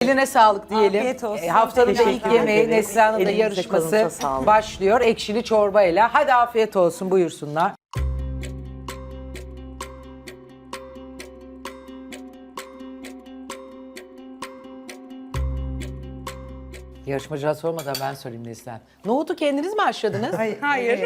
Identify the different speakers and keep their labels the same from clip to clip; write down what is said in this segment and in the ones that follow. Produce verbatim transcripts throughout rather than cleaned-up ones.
Speaker 1: Eline sağlık diyelim.
Speaker 2: Afiyet olsun.
Speaker 1: E, haftanın da ilk
Speaker 2: Teşekkür
Speaker 1: yemeği
Speaker 3: ederiz.
Speaker 1: Neslihan'ın da
Speaker 3: Elinize,
Speaker 1: yarışması
Speaker 3: kolunuza sağlık.
Speaker 1: başlıyor. Ekşili çorbayla. Hadi afiyet olsun, buyursunlar. Yarışmacıya sormadan ben söyleyeyim Neslihan. Nohutu kendiniz mi haşladınız?
Speaker 4: Hayır.
Speaker 2: Hayır.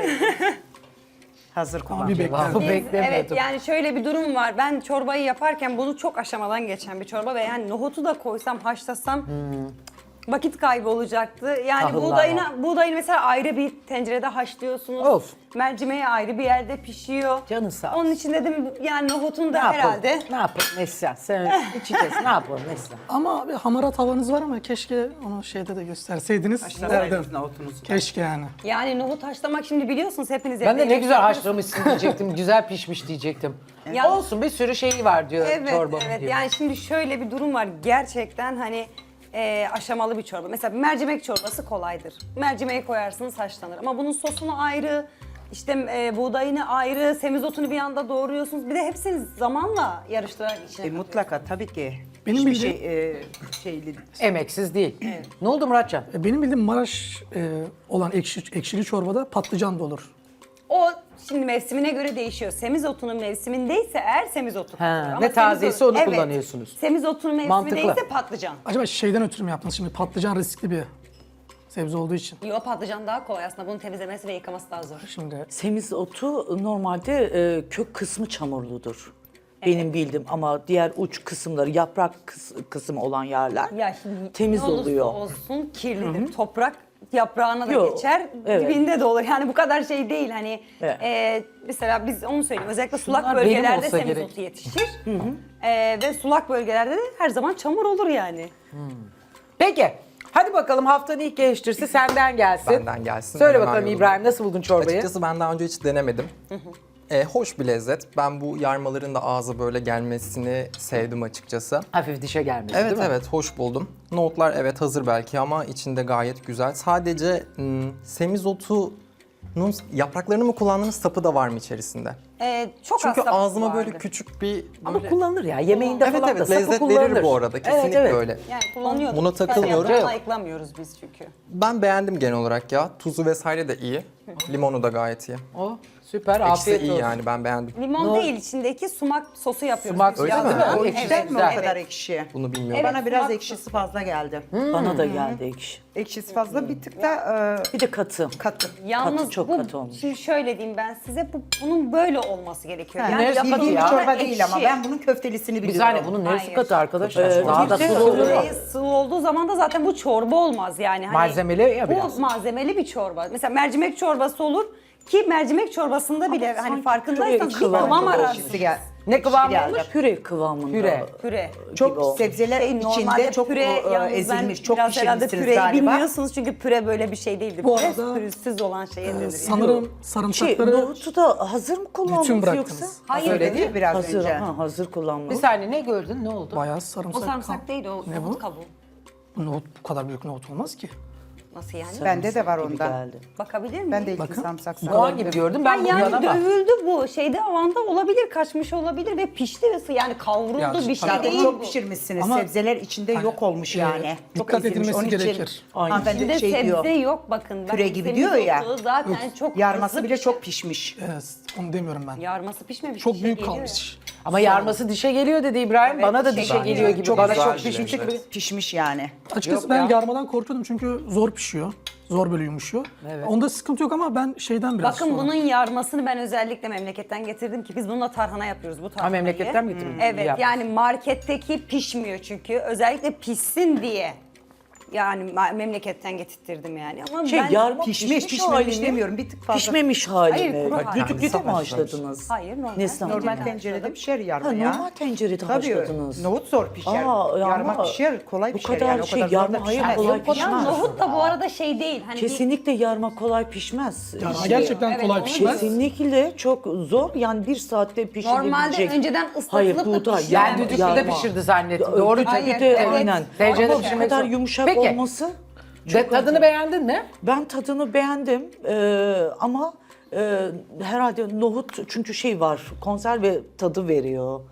Speaker 4: Hazır kullan.
Speaker 5: Bir bekler.
Speaker 1: Cevabı
Speaker 2: Biz-
Speaker 1: beklemiyordum.
Speaker 2: evet yani şöyle bir durum var. Ben çorbayı yaparken bunu çok aşamadan geçen bir çorba ve yani nohutu da koysam, haşlasam vakit kaybı olacaktı. Yani
Speaker 1: Tahıllar
Speaker 2: buğdayını,
Speaker 1: var.
Speaker 2: buğdayını mesela ayrı bir tencerede haşlıyorsunuz.
Speaker 1: Of.
Speaker 2: Mercimeği ayrı bir yerde pişiyor.
Speaker 1: Canın sağ olsun.
Speaker 2: Onun için dedim yani nohutun
Speaker 1: Ne
Speaker 2: da
Speaker 1: yapalım?
Speaker 2: herhalde.
Speaker 1: Ne yapalım Neslihan? Sen içi kes. Ne yapalım Neslihan?
Speaker 5: Ama bir hamarat havanız var ama keşke onu şeyde de gösterseydiniz. Derdim. Keşke yani.
Speaker 2: Yani nohut haşlamak şimdi biliyorsunuz hepiniz.
Speaker 1: Ben de
Speaker 2: evde
Speaker 1: ne güzel
Speaker 2: yapıyorsunuz.
Speaker 1: haşlamışsın diyecektim. Güzel pişmiş diyecektim.
Speaker 2: Ya-
Speaker 1: Olsun, bir sürü şeyi var diyor
Speaker 2: Evet,
Speaker 1: çorbamın
Speaker 2: evet.
Speaker 1: diyor.
Speaker 2: Yani şimdi şöyle bir durum var. Gerçekten hani e, aşamalı bir çorba. Mesela bir mercimek çorbası kolaydır. Mercimeği koyarsınız haşlanır. Ama bunun sosunu ayrı, işte e, buğdayını ayrı, semizotunu bir anda doğruyorsunuz. Bir de hepsini zamanla yarıştırarak içine
Speaker 4: E, mutlaka tabii ki.
Speaker 5: Benim
Speaker 4: Hiçbir
Speaker 5: bildiğim-
Speaker 4: şey e, şeyli.
Speaker 1: Emeksiz değil. Ne oldu Muratcan?
Speaker 5: E, Benim bildiğim Maraş e, olan ekşi, ekşili çorbada patlıcan da olur.
Speaker 2: O şimdi mevsimine göre değişiyor. Semizotunun mevsimindeyse eğer semizotu.
Speaker 1: Ha,
Speaker 2: kullanılır.
Speaker 1: ne
Speaker 2: Ama
Speaker 1: taziyse
Speaker 2: semizotu-
Speaker 1: onu
Speaker 2: evet,
Speaker 1: kullanıyorsunuz.
Speaker 2: Semizotunun
Speaker 1: Mantıklı.
Speaker 2: mevsimindeyse patlıcan.
Speaker 5: Acaba şeyden ötürü mü yaptınız şimdi? Patlıcan riskli bir sebze olduğu için.
Speaker 2: Yo, patlıcan daha kolay aslında. Bunun temizlemesi ve yıkaması daha zor.
Speaker 5: Şimdi
Speaker 3: Semizotu normalde e, kök kısmı çamurludur. Benim bildiğim ama diğer uç kısımları, yaprak kıs- kısmı olan yerler
Speaker 2: Ya şimdi
Speaker 3: temiz
Speaker 2: ne olursa
Speaker 3: oluyor.
Speaker 2: olsun kirlidir. Toprak yaprağına da
Speaker 3: Yo,
Speaker 2: geçer,
Speaker 3: evet.
Speaker 2: dibinde de olur. Yani bu kadar şey değil. Hani
Speaker 3: Evet.
Speaker 2: e, mesela biz onu söyleyeyim. Özellikle sulak
Speaker 1: Bunlar benim
Speaker 2: bölgelerde
Speaker 1: olsa
Speaker 2: semizotu
Speaker 1: gerek.
Speaker 2: yetişir. E, ve sulak bölgelerde de her zaman çamur olur yani.
Speaker 1: Peki. Hadi bakalım haftanın ilk eleştirisi senden gelsin.
Speaker 6: Benden gelsin.
Speaker 1: Söyle
Speaker 6: Hemen
Speaker 1: bakalım
Speaker 6: yoluma.
Speaker 1: İbrahim, nasıl buldun çorbayı?
Speaker 6: Açıkçası ben daha önce hiç denemedim. E, hoş bir lezzet. Ben bu yarmaların da ağza böyle gelmesini sevdim açıkçası.
Speaker 1: Hafif dişe gelmedi
Speaker 6: Evet
Speaker 1: değil mi?
Speaker 6: evet hoş buldum. Nohutlar evet hazır belki ama içinde gayet güzel. Sadece hmm, semizotunun yapraklarını mı kullandığınız sapı da var mı içerisinde?
Speaker 2: E, çok
Speaker 6: Çünkü
Speaker 2: az sapı
Speaker 6: ağzıma
Speaker 2: vardı.
Speaker 6: böyle küçük bir
Speaker 1: Ama
Speaker 6: böyle...
Speaker 1: kullanılır ya. Yemeğinde
Speaker 6: Evet
Speaker 1: falan
Speaker 6: evet
Speaker 1: da sapı
Speaker 6: lezzet
Speaker 1: kullanılır.
Speaker 6: verir bu arada. Kesinlikle
Speaker 1: evet, evet.
Speaker 6: öyle.
Speaker 2: Yani kullanıyorduk.
Speaker 6: Buna takılmıyorum.
Speaker 2: Yaprağını ayıklamıyoruz biz çünkü.
Speaker 6: Ben beğendim genel olarak ya. Tuzu vesaire de iyi. Limonu da gayet iyi.
Speaker 1: O süper,
Speaker 6: İkisi
Speaker 1: afiyet
Speaker 6: iyi
Speaker 1: olsun.
Speaker 6: yani ben beğendim.
Speaker 2: Limon
Speaker 1: No.
Speaker 2: değil, içindeki sumak sosu yapıyoruz.
Speaker 1: Sumak
Speaker 2: biz.
Speaker 1: sosu
Speaker 6: Öyle mi?
Speaker 2: Yazın.
Speaker 6: O
Speaker 2: Evet,
Speaker 4: Ekşiden mi o
Speaker 2: evet.
Speaker 4: kadar ekşi?
Speaker 6: Bunu bilmiyorum.
Speaker 2: Evet,
Speaker 4: Bana biraz
Speaker 2: sumak
Speaker 4: ekşisi fazla geldi.
Speaker 3: Bana da geldi ekşi.
Speaker 4: Ekşisi fazla bir tık da e,
Speaker 3: Bir de katı.
Speaker 4: katı.
Speaker 2: Yalnız
Speaker 3: Katı, çok
Speaker 2: bu,
Speaker 3: katı olmuş.
Speaker 2: şimdi şöyle diyeyim ben size, bu, bunun böyle olması gerekiyor.
Speaker 4: Ha,
Speaker 2: Yani
Speaker 1: neresi
Speaker 2: yapıldığı
Speaker 1: katı ya?
Speaker 4: Bildiğim bir çorba
Speaker 2: ekşi.
Speaker 4: değil ama ben bunun köftelisini
Speaker 1: Bir
Speaker 4: biliyorum.
Speaker 1: saniye, bunun neresi
Speaker 2: Hayır.
Speaker 1: katı arkadaşlar?
Speaker 3: Ee,
Speaker 1: Daha da
Speaker 3: bir de
Speaker 1: sulu olur.
Speaker 2: Sıvı, sıvı olduğu zaman da zaten bu çorba olmaz yani. Hani
Speaker 1: Malzemeli ya biraz.
Speaker 2: Bu malzemeli bir çorba. Mesela mercimek çorbası olur ki mercimek çorbasında bile hani
Speaker 3: sanki
Speaker 2: farkındaysanız bir
Speaker 3: püre kıvamı
Speaker 2: kıvam
Speaker 3: da
Speaker 2: ararsınız.
Speaker 4: Ekşisi gel.
Speaker 1: Ne kıvamı
Speaker 4: geldi.
Speaker 1: olur?
Speaker 3: Püre kıvamında.
Speaker 1: Püre.
Speaker 2: Püre.
Speaker 4: Çok
Speaker 3: o.
Speaker 4: sebzeler
Speaker 2: Şey,
Speaker 4: içinde
Speaker 2: normalde
Speaker 4: çok
Speaker 2: püre,
Speaker 4: e,
Speaker 2: yalnız ben
Speaker 4: ezilmiş, çok
Speaker 2: biraz herhalde
Speaker 4: pişirmişsiniz
Speaker 2: püreyi
Speaker 4: galiba.
Speaker 2: bilmiyorsunuz çünkü püre böyle bir şey değildir.
Speaker 5: Bu
Speaker 2: Püre
Speaker 5: arada,
Speaker 2: pürüzsüz olan şey nedir? yani?
Speaker 5: sanırım
Speaker 3: Şey,
Speaker 5: sarımsakları
Speaker 3: nohutu da hazır mı kullandınız
Speaker 5: bütün
Speaker 3: yoksa?
Speaker 5: bıraktınız.
Speaker 2: Hayır,
Speaker 1: Öyle
Speaker 2: değil.
Speaker 1: değil.
Speaker 4: Biraz
Speaker 3: Hazır,
Speaker 4: önce.
Speaker 3: ha, hazır
Speaker 1: Bir
Speaker 3: kullanmış.
Speaker 1: saniye, ne gördün? Ne oldu?
Speaker 5: bayağı
Speaker 2: O
Speaker 5: sarımsak.
Speaker 2: sarımsak değil, o
Speaker 5: Ne
Speaker 2: nohut
Speaker 5: bu?
Speaker 2: kabuğu.
Speaker 5: Bu nohut, bu kadar büyük nohut olmaz ki.
Speaker 2: Nasıl yani?
Speaker 4: Bende de var
Speaker 3: Gibi
Speaker 4: ondan.
Speaker 3: geldi.
Speaker 2: Bakabilir miyim?
Speaker 4: Ben de ilk
Speaker 5: Bakın.
Speaker 4: sarımsak
Speaker 1: Soğan gibi gördüm ben
Speaker 2: Ben
Speaker 1: bunu
Speaker 2: yani
Speaker 1: yanama.
Speaker 2: dövüldü bu şeyde, avanda olabilir, kaçmış olabilir ve pişti ve yani kavruldu
Speaker 5: Ya,
Speaker 2: bir şey
Speaker 5: tabii.
Speaker 4: Zaten
Speaker 2: değil
Speaker 4: çok
Speaker 2: bu.
Speaker 4: pişirmişsiniz.
Speaker 5: Ama-
Speaker 4: Sebzeler içinde
Speaker 5: Hani,
Speaker 4: yok olmuş
Speaker 5: e,
Speaker 4: yani. Çok
Speaker 5: dikkat
Speaker 4: ezilmiş.
Speaker 5: edilmesi
Speaker 4: Onun için
Speaker 5: gerekir.
Speaker 3: Aynen.
Speaker 4: hanımefendi
Speaker 2: İçinde
Speaker 4: şey
Speaker 2: sebze
Speaker 4: diyor.
Speaker 2: yok bakın.
Speaker 4: Püre
Speaker 2: Bakın,
Speaker 4: gibi diyor ya.
Speaker 2: semizotu zaten çok
Speaker 4: Yarması
Speaker 2: hızlı
Speaker 4: bile
Speaker 2: pişer.
Speaker 4: çok pişmiş.
Speaker 5: Evet, onu demiyorum ben.
Speaker 2: Yarması pişmemiş.
Speaker 5: Çok
Speaker 2: bir şey
Speaker 5: büyük
Speaker 2: geliyor
Speaker 5: kalmış.
Speaker 1: Ama yarması dişe geliyor dedi İbrahim.
Speaker 2: Evet,
Speaker 1: Bana da
Speaker 2: dişe
Speaker 1: dişe
Speaker 2: geliyor.
Speaker 1: geliyor gibi.
Speaker 4: Çok
Speaker 1: Bana
Speaker 6: güzel
Speaker 1: çok
Speaker 6: bir
Speaker 1: pişmiş
Speaker 6: lezzet.
Speaker 1: gibi.
Speaker 4: Pişmiş yani.
Speaker 5: Açıkçası
Speaker 1: Yok
Speaker 5: ben
Speaker 1: ya.
Speaker 5: yarmadan korkuyordum çünkü zor pişiyor. Zor böyle yumuşuyor.
Speaker 1: Evet.
Speaker 5: Onda sıkıntı yok ama ben şeyden biraz
Speaker 2: Bakın
Speaker 5: sonra-
Speaker 2: bunun yarmasını ben özellikle memleketten getirdim ki biz bununla tarhana yapıyoruz bu tarhanayı.
Speaker 1: memleketten mi getirdin?
Speaker 2: Evet
Speaker 1: Yap.
Speaker 2: yani marketteki pişmiyor çünkü özellikle pişsin diye. Yani ma- memleketten getirttirdim yani ama
Speaker 3: Şey
Speaker 2: ben...
Speaker 3: yarma
Speaker 4: Pişmiş,
Speaker 3: pişmiş,
Speaker 4: pişmemiş
Speaker 3: hali mi?
Speaker 4: demiyorum. Bir tık fazla.
Speaker 3: Pişmemiş hali
Speaker 2: Hayır,
Speaker 3: mi?
Speaker 2: kuru hali.
Speaker 3: Düdüklüde mi
Speaker 6: Sabah
Speaker 3: haşladınız?
Speaker 2: Hayır, normal.
Speaker 3: Neslihan
Speaker 4: Normal
Speaker 2: Normal
Speaker 4: tencerede pişer yarma
Speaker 3: Ha,
Speaker 4: ya.
Speaker 3: normal tencerede
Speaker 4: Tabii.
Speaker 3: haşladınız.
Speaker 4: Nohut zor pişer.
Speaker 3: Aa,
Speaker 4: yarma
Speaker 3: ama
Speaker 4: pişer, kolay
Speaker 3: bu
Speaker 4: pişer
Speaker 3: kadar
Speaker 4: yani. O
Speaker 3: şey,
Speaker 4: kadar zor da
Speaker 3: yarma hayır,
Speaker 4: pişmez.
Speaker 3: kolay
Speaker 2: Ya
Speaker 3: pişmez.
Speaker 2: nohut da bu arada şey değil. Hani bir-
Speaker 3: Kesinlikle yarma kolay pişmez.
Speaker 5: Yarma
Speaker 3: Şey,
Speaker 5: gerçekten
Speaker 2: Evet,
Speaker 5: kolay
Speaker 2: onu
Speaker 5: pişmez.
Speaker 3: Kesinlikle çok zor. Yani bir saatte pişirebilecek.
Speaker 2: Normalde önceden ıslatılıp
Speaker 3: Hayır,
Speaker 2: da
Speaker 3: buğday,
Speaker 2: pişiren-
Speaker 1: Ben
Speaker 3: yarma,
Speaker 1: düdüklüde
Speaker 3: yarma.
Speaker 1: pişirdi zannettim.
Speaker 3: Ya,
Speaker 1: Doğru.
Speaker 3: düdüklüde
Speaker 2: Hayır,
Speaker 3: de
Speaker 2: evet.
Speaker 3: aynen.
Speaker 1: Tencerede
Speaker 3: Ama bu
Speaker 1: pişirmek
Speaker 3: kadar
Speaker 1: zor.
Speaker 3: yumuşak
Speaker 1: Peki.
Speaker 3: olması
Speaker 1: De, tadını beğendin mi?
Speaker 3: ben tadını beğendim Ee, ama e, herhalde nohut çünkü şey var konserve tadı veriyor.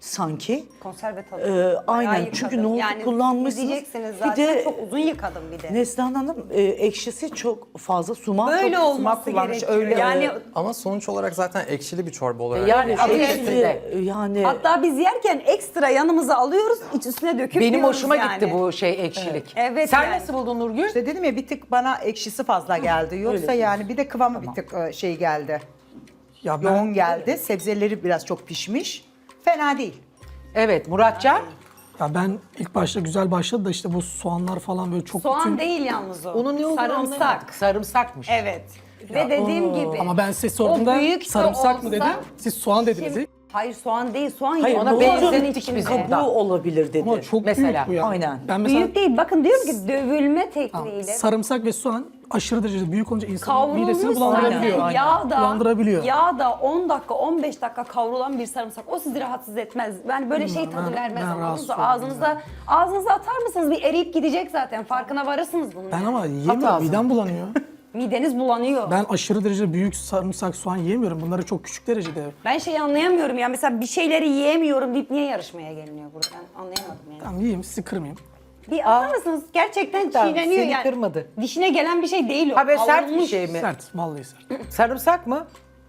Speaker 3: sanki.
Speaker 2: Konserve tadı.
Speaker 3: Ee,
Speaker 2: Bayağı
Speaker 3: aynen
Speaker 2: yıkadım.
Speaker 3: çünkü nohutu
Speaker 2: yani
Speaker 3: kullanmışsınız.
Speaker 2: Diyeceksiniz
Speaker 3: Bir
Speaker 2: zaten
Speaker 3: de
Speaker 2: çok uzun yıkadım bir de.
Speaker 3: Neslihan Hanım e, ekşisi çok fazla, sumak
Speaker 2: Böyle
Speaker 3: çok
Speaker 2: olması
Speaker 3: kullanmış.
Speaker 2: gerekiyor.
Speaker 3: Öyle,
Speaker 2: yani
Speaker 6: Ama sonuç olarak zaten ekşili bir çorba olarak.
Speaker 1: Yani adı
Speaker 3: ekşisi,
Speaker 1: üstünde.
Speaker 3: yani
Speaker 2: hatta biz yerken ekstra yanımıza alıyoruz, iç üstüne döküp
Speaker 1: Benim
Speaker 2: yiyoruz
Speaker 1: hoşuma
Speaker 2: yani.
Speaker 1: gitti bu şey ekşilik.
Speaker 2: Evet,
Speaker 1: Sen
Speaker 2: yani.
Speaker 1: nasıl buldun Nurgül?
Speaker 4: İşte dedim ya bir tık bana ekşisi fazla geldi. Yoksa
Speaker 3: öyle
Speaker 4: yani bir de kıvamı bir tık e, şey geldi.
Speaker 5: Ya ben
Speaker 4: Yoğun geldi. Sebzeleri biraz çok pişmiş. Fena değil.
Speaker 1: Evet Muratcan.
Speaker 5: ya ben ilk başta güzel başladı da işte bu soğanlar falan böyle çok
Speaker 2: Soğan
Speaker 5: bütün...
Speaker 2: değil yalnız o.
Speaker 1: Onun ne olduğunu
Speaker 2: Sarımsak.
Speaker 1: anlayamadım. Sarımsakmış.
Speaker 2: Evet. Ve dediğim gibi.
Speaker 5: Ama ben size sorduğumda
Speaker 2: o büyük de
Speaker 5: sarımsak mı
Speaker 2: olsa-
Speaker 5: dedim, siz soğan dediniz.
Speaker 2: Şimdi- Hayır soğan değil, soğan
Speaker 3: Hayır,
Speaker 2: yok.
Speaker 1: ona
Speaker 3: nohutun
Speaker 1: benzettik
Speaker 2: içinde.
Speaker 1: biz
Speaker 3: kabuğu
Speaker 1: ondan.
Speaker 3: olabilir dedi.
Speaker 5: Ama çok
Speaker 1: Mesela.
Speaker 5: büyük bu ya.
Speaker 3: Aynen.
Speaker 5: Ben mesela
Speaker 2: Büyük değil. Bakın diyorum ki dövülme tekniğiyle.
Speaker 5: sarımsak ve soğan aşırı derecede büyük olunca insanın
Speaker 2: Kavrulmuş
Speaker 5: midesini bulandırabiliyor.
Speaker 2: zaten yağda,
Speaker 5: Bulandırabiliyor.
Speaker 2: yağda on dakika on beş dakika kavrulan bir sarımsak o sizi rahatsız etmez. Ben böyle şey tadı
Speaker 5: ben-
Speaker 2: vermez.
Speaker 5: ben
Speaker 2: anladınız
Speaker 5: rahatsız
Speaker 2: mı?
Speaker 5: oldum
Speaker 2: Ağzınıza, ağzınıza atar mısınız? Bir eriyip gidecek zaten. Farkına varırsınız bunun.
Speaker 5: Ben ama
Speaker 1: At
Speaker 5: yiyemiyorum,
Speaker 1: ağzına.
Speaker 5: midem bulanıyor.
Speaker 2: Mideniz bulanıyor. Ben,
Speaker 5: Ben aşırı derecede büyük sarımsak, soğan yiyemiyorum. Bunları çok küçük derecede.
Speaker 2: ben şeyi anlayamıyorum ya. Mesela bir şeyleri yiyemiyorum deyip niye yarışmaya geliniyor burada? Ben anlayamadım yani.
Speaker 5: Tamam yiyeyim, sizi kırmayayım.
Speaker 2: Bir atar mısınız? Gerçekten
Speaker 1: Tamam,
Speaker 2: çiğneniyor
Speaker 1: seni
Speaker 2: yani.
Speaker 1: kırmadı.
Speaker 2: Dişine gelen bir şey değil o.
Speaker 1: Ha böyle sert bir
Speaker 2: Kavrulmuş
Speaker 1: şey mi?
Speaker 5: Sert, vallahi sert.
Speaker 1: Sarımsak mı?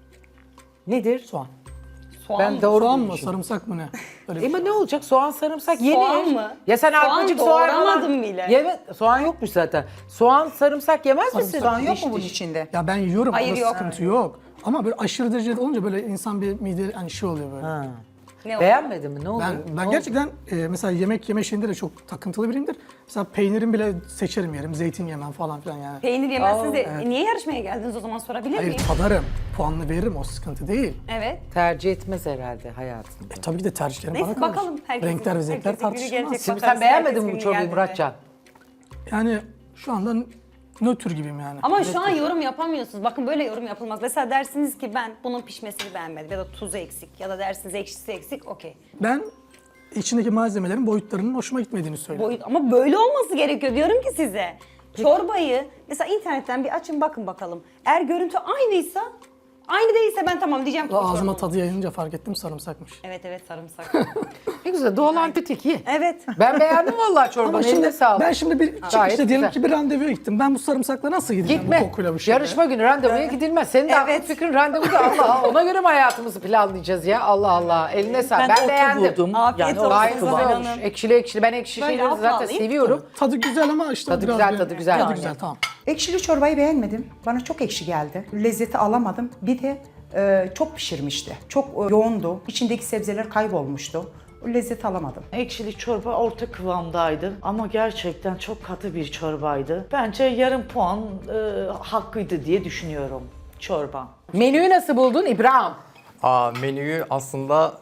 Speaker 1: Nedir?
Speaker 5: Soğan.
Speaker 2: Soğan
Speaker 1: Ben
Speaker 2: mı?
Speaker 1: doğru
Speaker 5: Soğan mı,
Speaker 1: bulmuşum.
Speaker 5: sarımsak mı ne? Böyle bir
Speaker 1: E ama
Speaker 5: şey.
Speaker 1: ne olacak? Soğan sarımsak yenir.
Speaker 2: Soğan mı?
Speaker 1: Ya sen
Speaker 2: Soğan
Speaker 1: arpacık soğan
Speaker 2: doğramadım
Speaker 1: falan-
Speaker 2: bile.
Speaker 1: Yeme, soğan yokmuş zaten. Soğan sarımsak yemez misin?
Speaker 4: Soğan yok
Speaker 1: Diş
Speaker 4: mu bunun
Speaker 1: diş.
Speaker 4: içinde?
Speaker 5: Ya ben yiyorum,
Speaker 2: Hayır,
Speaker 5: ama
Speaker 2: yok.
Speaker 5: sıkıntı yok. Ama böyle aşırı derecede olunca böyle insan bir mide hani şey oluyor böyle.
Speaker 1: Ha.
Speaker 2: Ne o?
Speaker 1: Beğenmedin mi? Ne oldu?
Speaker 5: Ben,
Speaker 1: Ne
Speaker 5: ben
Speaker 1: oldu?
Speaker 5: gerçekten e, mesela yemek yeme şeyinde de çok takıntılı biriyimdir. Mesela peynirin bile seçerim yerim, zeytin yemem falan filan yani.
Speaker 2: Peynir yemezsiniz de e, niye yarışmaya geldiniz o zaman sorabilir
Speaker 5: Hayır
Speaker 2: miyim?
Speaker 5: tadarım, puanını veririm, o sıkıntı değil.
Speaker 2: Evet.
Speaker 1: Tercih etmez herhalde hayatında.
Speaker 5: E, tabii ki de tercihlerim
Speaker 2: Neyse
Speaker 5: bana kalır.
Speaker 2: bakalım. Herkesin-
Speaker 5: Renkler ve zevkler
Speaker 2: herkesin günü
Speaker 5: tartışılmaz.
Speaker 2: gelecek.
Speaker 1: Şimdi
Speaker 2: Bakarız,
Speaker 1: sen beğenmedin
Speaker 2: herkes
Speaker 1: mi bu
Speaker 2: günü
Speaker 1: çorbayı
Speaker 2: geldiğinde.
Speaker 1: Muratcan?
Speaker 5: Yani şu anda nötr gibiyim yani.
Speaker 2: Ama şu an yorum yapamıyorsunuz. Bakın böyle yorum yapılmaz. Mesela dersiniz ki ben bunun pişmesini beğenmedim ya da tuzu eksik ya da dersiniz ekşisi eksik, okey.
Speaker 5: Ben içindeki malzemelerin boyutlarının hoşuma gitmediğini söylüyorum.
Speaker 2: Boyut ama böyle olması gerekiyor diyorum ki size. Çorbayı mesela internetten bir açın bakın bakalım. Eğer görüntü aynıysa, aynı değilse ben tamam diyeceğim ki bu
Speaker 5: Ağzıma
Speaker 2: çorba
Speaker 5: tadı yayınca fark ettim, sarımsakmış.
Speaker 2: Evet evet sarımsak.
Speaker 1: Ne güzel doğal antibiyotik iyi.
Speaker 2: Evet.
Speaker 1: Ben beğendim vallahi çorbanı.
Speaker 5: Ama
Speaker 1: Eline
Speaker 5: şimdi
Speaker 1: sağlık.
Speaker 5: ben şimdi bir
Speaker 1: Gayet
Speaker 5: çıkışta diyelim
Speaker 1: güzel.
Speaker 5: ki bir randevuya gittim. Ben bu sarımsakla nasıl gideceğim
Speaker 1: Gitme.
Speaker 5: bu kokuyla bu şeyle?
Speaker 1: Yarışma günü randevuya gidilmez. Senin de
Speaker 2: Evet.
Speaker 1: aklın fikrin randevu da Allah Allah. Ona göre mi hayatımızı planlayacağız ya? Allah Allah. Eline sağlık.
Speaker 3: Ben,
Speaker 1: Ben,
Speaker 3: otu
Speaker 1: beğendim.
Speaker 3: buldum.
Speaker 2: Afiyet
Speaker 3: Yani
Speaker 2: olsun.
Speaker 3: o
Speaker 1: Gayet
Speaker 3: kıvam.
Speaker 1: güzel olmuş. Ekşili ekşili. Ben ekşi
Speaker 2: Böyle
Speaker 1: şeyleri
Speaker 2: altına
Speaker 1: zaten
Speaker 2: alayım.
Speaker 1: seviyorum.
Speaker 5: Tadı güzel ama işte
Speaker 1: Tadı
Speaker 5: biraz
Speaker 1: güzel,
Speaker 5: bir-
Speaker 1: tadı güzel.
Speaker 5: Tadı
Speaker 1: Yani.
Speaker 5: güzel, tamam.
Speaker 4: Ekşili çorbayı beğenmedim. Bana çok ekşi geldi. Lezzeti alamadım. Bir de e, çok pişirmişti. Çok e, yoğundu. İçindeki sebzeler kaybolmuştu. O lezzeti alamadım.
Speaker 3: Ekşili çorba orta kıvamdaydı ama gerçekten çok katı bir çorbaydı. Bence yarım puan e, hakkıydı diye düşünüyorum çorba.
Speaker 1: Menüyü nasıl buldun İbrahim?
Speaker 6: Aa, menüyü aslında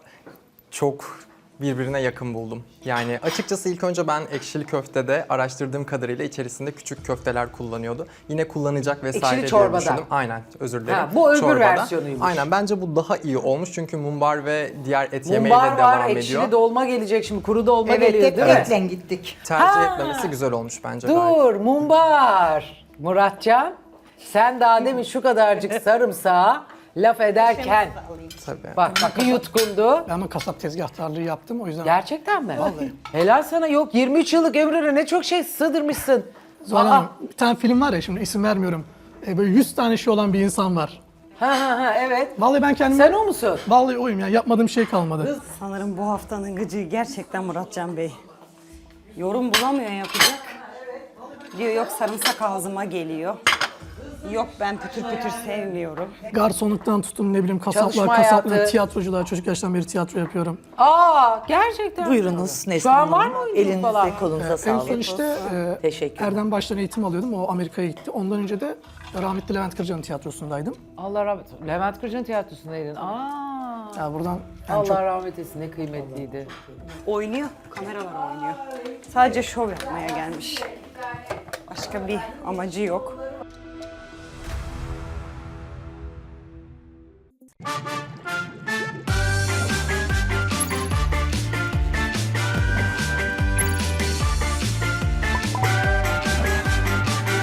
Speaker 6: çok birbirine yakın buldum. Yani açıkçası ilk önce ben ekşili köftede araştırdığım kadarıyla içerisinde küçük köfteler kullanıyordu. Yine kullanacak vesaire
Speaker 1: Ekşili
Speaker 6: diye
Speaker 1: çorbada.
Speaker 6: düşündüm. Aynen, özür dilerim.
Speaker 1: Ha, bu öbür
Speaker 6: Çorbada.
Speaker 1: versiyonuymuş.
Speaker 6: Aynen, bence bu daha iyi olmuş çünkü mumbar ve diğer et yemeğiyle
Speaker 1: Mumbar
Speaker 6: devam
Speaker 1: var,
Speaker 6: ediyor.
Speaker 1: ekşili dolma gelecek şimdi. Kuru dolma
Speaker 4: Evet,
Speaker 1: geliyor
Speaker 4: hep
Speaker 1: değil mi?
Speaker 4: etle gittik.
Speaker 6: Tercih
Speaker 1: Ha.
Speaker 6: etmemesi güzel olmuş bence gayet.
Speaker 1: Dur, mumbar. Muratcan, sen daha demin şu kadarcık sarımsağı laf ederken
Speaker 6: Tabii.
Speaker 1: bak bak bir yutkundu.
Speaker 5: Ben ama kasap tezgahtarlığı yaptım o yüzden.
Speaker 1: Gerçekten mi?
Speaker 5: Vallahi.
Speaker 1: Helal sana, yok yirmi üç yıllık ömrüne ne çok şey sığdırmışsın.
Speaker 5: Zuhal
Speaker 1: Aa.
Speaker 5: Hanım, bir tane film var ya, şimdi isim vermiyorum. E, böyle yüz tane şey olan bir insan var.
Speaker 1: Ha ha ha evet.
Speaker 5: Vallahi ben kendim...
Speaker 1: Sen o musun?
Speaker 5: Vallahi oyum ya, yapmadığım şey kalmadı.
Speaker 2: Sanırım bu haftanın gıcığı gerçekten Muratcan Bey. Yorum bulamıyor yapacak. Diyor yok sarımsak ağzıma geliyor. Yok ben pütür pütür sevmiyorum.
Speaker 5: Garsonluktan tutun, ne bileyim kasaplar,
Speaker 1: Çalışma
Speaker 5: kasaplar,
Speaker 1: hayatı.
Speaker 5: tiyatroculuğa, çocuk yaştan beri tiyatro yapıyorum.
Speaker 1: Aa gerçekten.
Speaker 3: Buyurunuz Neslihan
Speaker 1: Şu an var
Speaker 3: Hanım.
Speaker 1: mı oyunculuk
Speaker 3: Elinize
Speaker 1: falan?
Speaker 3: kolunuza
Speaker 5: En
Speaker 3: sağlık.
Speaker 5: son işte e,
Speaker 3: Teşekkür
Speaker 5: Erdem Baş'tan eğitim alıyordum, o Amerika'ya gitti. Ondan önce de rahmetli Levent Kırca'nın tiyatrosundaydım.
Speaker 1: Allah rahmet eylesin. Levent Kırca'nın tiyatrosundaydın. Aa.
Speaker 5: Ya buradan yani
Speaker 1: Allah
Speaker 5: çok
Speaker 1: rahmet eylesin, ne kıymetliydi.
Speaker 2: Oynuyor, kameralar oynuyor. Sadece şov yapmaya gelmiş. Başka bir amacı yok.